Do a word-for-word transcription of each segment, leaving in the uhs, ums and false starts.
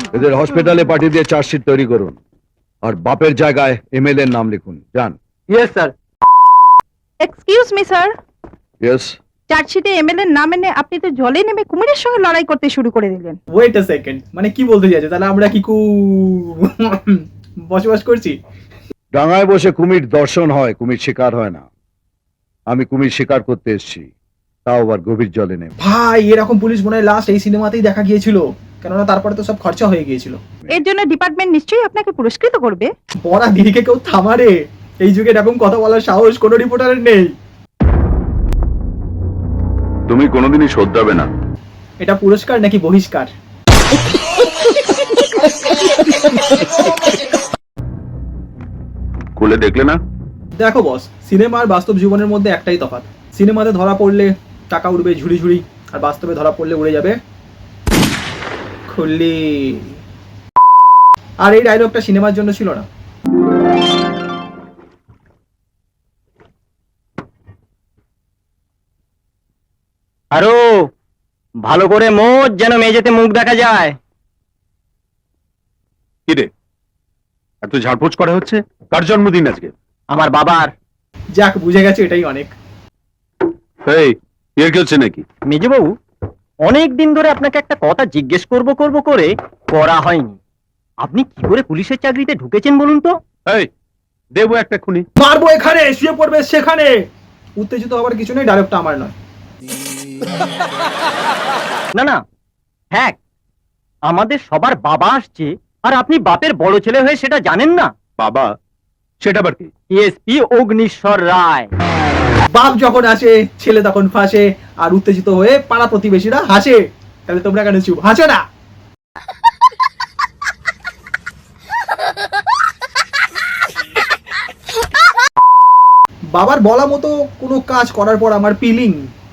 এদের হসপিটালে পাঠিয়ে দিয়ে চার্জশিট তৈরি করুন আর বাপের জায়গায় এমএলএ এর নাম লিখুন। যান। Yes sir. Excuse me sir, yes. চার্জশিটে এমএলএ এর নাম এনে আপনি তো জলে নেমে কুমিরের সঙ্গে লড়াই করতে শুরু করে দিলেন। ওয়েট আ সেকেন্ড, মানে কি বলতে চাইছে? তাহলে আমরা কি কু বসবাস করছি? ডাঙায় বসে কুমির দর্শন হয়, কুমির শিকার হয় না। আমি কুমির শিকার করতে এসেছি, তাও আবার গভীর জলে নেমে। ভাই এরকম পুলিশ মনে হয় লাস্ট এই সিনেমাতেই দেখা গিয়েছিল, কেননা তারপরে তো সব খরচা হয়ে গিয়েছিল। এর জন্য ডিপার্টমেন্ট নিশ্চয়ই আপনাকে পুরস্কৃত করবে। বড়া দিদিকে কেউ থামারে? এই যুগে এরকম কথা বলার সাহস কোনো রিপোর্টারের নেই। তুমি কোনোদিনই শোধরাবে না। এটা পুরস্কার নাকি বহিষ্কার? খুলে দেখলে না? দেখো বস, সিনেমা আর বাস্তব জীবনের মধ্যে একটাই তফাৎ। সিনেমাতে ধরা পড়লে টাকা উড়বে ঝুড়ি ঝুড়ি, আর বাস্তবে ধরা পড়লে উড়ে যাবে খুললি। আর এই ডায়লগটা সিনেমার জন্য ছিল না। আরো ভালো করে মোজ, যেন মেঝেতে মুখ দেখা যায়। কি রে, এত ঝাড়পোছ করা হচ্ছে? কার জন্মদিন আজকে? আমার বাবার। যাক, বুঝে গেছে, এটাই অনেক। এই এর কি হচ্ছে নাকি? মেজবাবু, অনেক দিন ধরে আপনাকে একটা কথা জিজ্ঞেস করব করব করে করা হয়নি। আপনি কি করে পুলিশের চাকরিতে ঢুকেছেন বলুন তো? এই দেবো একটা খুনি। মারবো এখানে, শুয়ে পড়বে সেখানে। উত্তেজিত হবার কিছু নেই, ডায়লগটা আমার নয়। না না, হ্যাঁ, আমাদের সবার বাবা আসছে, আর আপনি বাপের বড় ছেলে হয়ে সেটা জানেন না। বাবা? সেটা আবার কি? এসপি অগ্নিশ্বর রায়। বাপ যখন আসে ছেলে তখন ফাঁসে, আর উত্তেজিত হয়ে পাড়া প্রতিবেশীরা হাসে। তাহলে তোমরা কেন চুপ? হাসো না। বাবার বলা মতো কোনো কাজ করার পর আমার ফিলিং।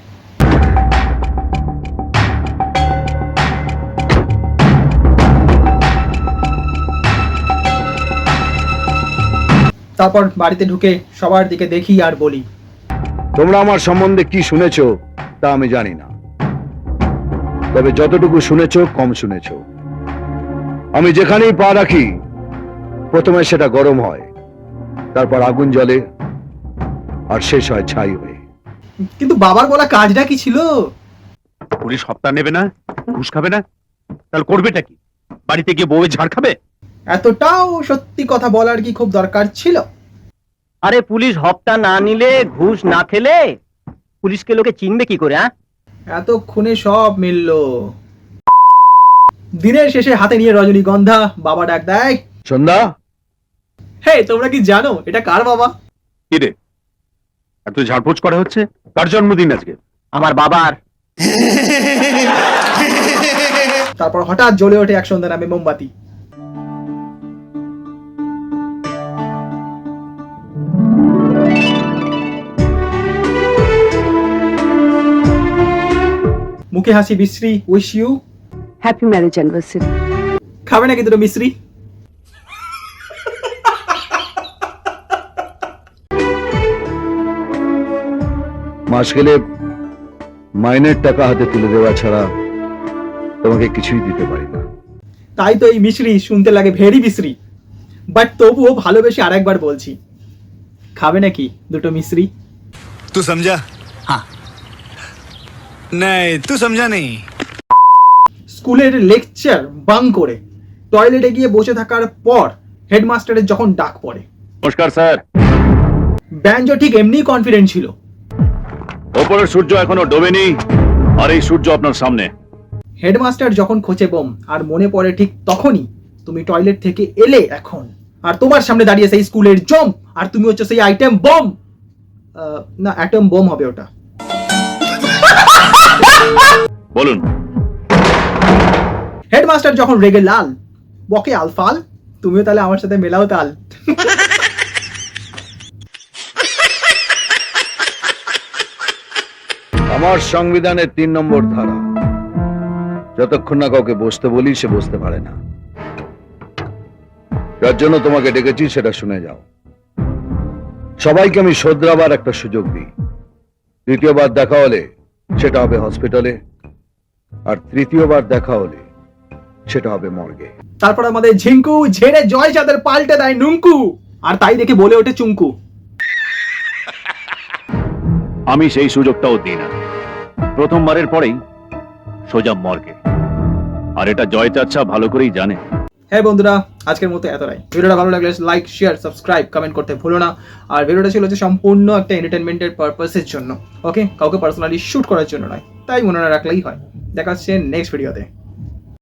তারপর বাড়িতে ঢুকে সবার দিকে দেখি আর বলি, তোমরা আমার সম্বন্ধে কি শুনেছো তা আমি জানি না, তবে যতটুকু শুনেছো কম শুনেছো। আমি যেখানেই পা রাখি প্রথমে সেটা গরম হয়, তারপর আগুন জ্বলে, আর শেষ হয় ছাই হয়ে। কিন্তু বাবার বলা কাজটা কি ছিল? পুলিশ হপ্তা নেবে না, ঘুষ খাবে না, তাহলে করবেটা কি? বাড়িতে গিয়ে বউয়ের ঝাড় খাবে? এতটাও সত্যি কথা বলার কি খুব দরকার ছিল? আরে পুলিশ হপ্তা না নিলে, ঘুষ না খেলে পুলিশকে লোকে চিনবে কি করে? হ্যাঁ, এতক্ষণে সব মিলল। দিনের শেষে হাতে নিয়ে রজনীগন্ধা বাবা ডাক দেয়, সন্ধ্যা। হে তোমরা কি জানো এটা কার বাবা? কি রে, এত ঝাড়পোছ করা হচ্ছে? কার জন্মদিন আজকে? আমার বাবার। তারপর হঠাৎ জ্বলে ওঠে এক সন্ধ্যা নামে মোমবাতি। মুখে হাসি বিশ্রী, wish you happy marriage anniversary. খাবে নাকি দুটো মিশ্রি? মাস গেলে মাইনের টাকা হাতে তুলে দেওয়া ছাড়া তোমাকে কিছুই দিতে পারি না। তাই তো এই মিশ্রি শুনতে লাগে ভেরি বিশ্রী, বাট তবুও ভালোবেসে আরেকবার বলছি, খাবে নাকি দুটো মিশ্রি? तू समझा? हाँ। नहीं तू समझा नहीं। স্কুলের লেকচার বাং করে টয়লেটে গিয়ে বসে থাকার পর হেডমাস্টারের যখন ডাক পড়ে, নমস্কার স্যার। ব্যাঞ্জো ঠিক এমনি কনফিডেন্ট ছিল। ওপরের সূর্য এখনো ডোবেনি, আর এই সূর্য আপনার সামনে। হেডমাস্টার যখন খোঁচে বোম, আর মনে পড়ে ঠিক তখনই তুমি টয়লেট থেকে এলে এখন, আর তোমার সামনে দাঁড়িয়ে সেই স্কুলের জম, আর তুমি হচ্ছে সেই আইটেম বম। না, অ্যাটম বোম হবে ওটা। বলুন। হেডমাস্টার যখন রেগে লাল, বকে আলফাল, তুমিও তাহলে আমার সাথে মেলাও তাল। আমার সংবিধানের তিন নম্বর ধারা, যতক্ষণ না কাউকে বসতে বলি সে বসতে পারে না। যার জন্য তোমাকে ডেকেছি সেটা শুনে যাও। সবাইকে আমি শোধরাবার একটা সুযোগ দিই। দ্বিতীয়বার দেখা হলে সেটা হবে হসপিটালে, আর তৃতীয়বার দেখা হলে সেটা হবে মর্গে। তারপর আমাদের ঝিঙ্কু ঝেড়ে জয় চাঁদের পাল্টে দেয় নুঙ্কু, আর তাই দেখে বলে ওঠে চুঙ্কু। আমি সেই সুযোগটাও দিই না, প্রথমবারের পরেই সোজা মর্গে। আর এটা জয় চাচ্ছা ভালো করেই জানে। হ্যাঁ বন্ধুরা, আজকের মতো এতটাই। ভিডিওটা ভালো লাগলে লাইক শেয়ার সাবস্ক্রাইব কমেন্ট করতে ভুলো না। আর ভিডিওটা ছিল হচ্ছে সম্পূর্ণ একটা এন্টারটেনমেন্টের পারপাসের জন্য, ওকে, কাউকে পার্সোনালি শুট করার জন্য নয়, তাই মনে রাখলেই হয়। দেখা হচ্ছে নেক্সট ভিডিওতে।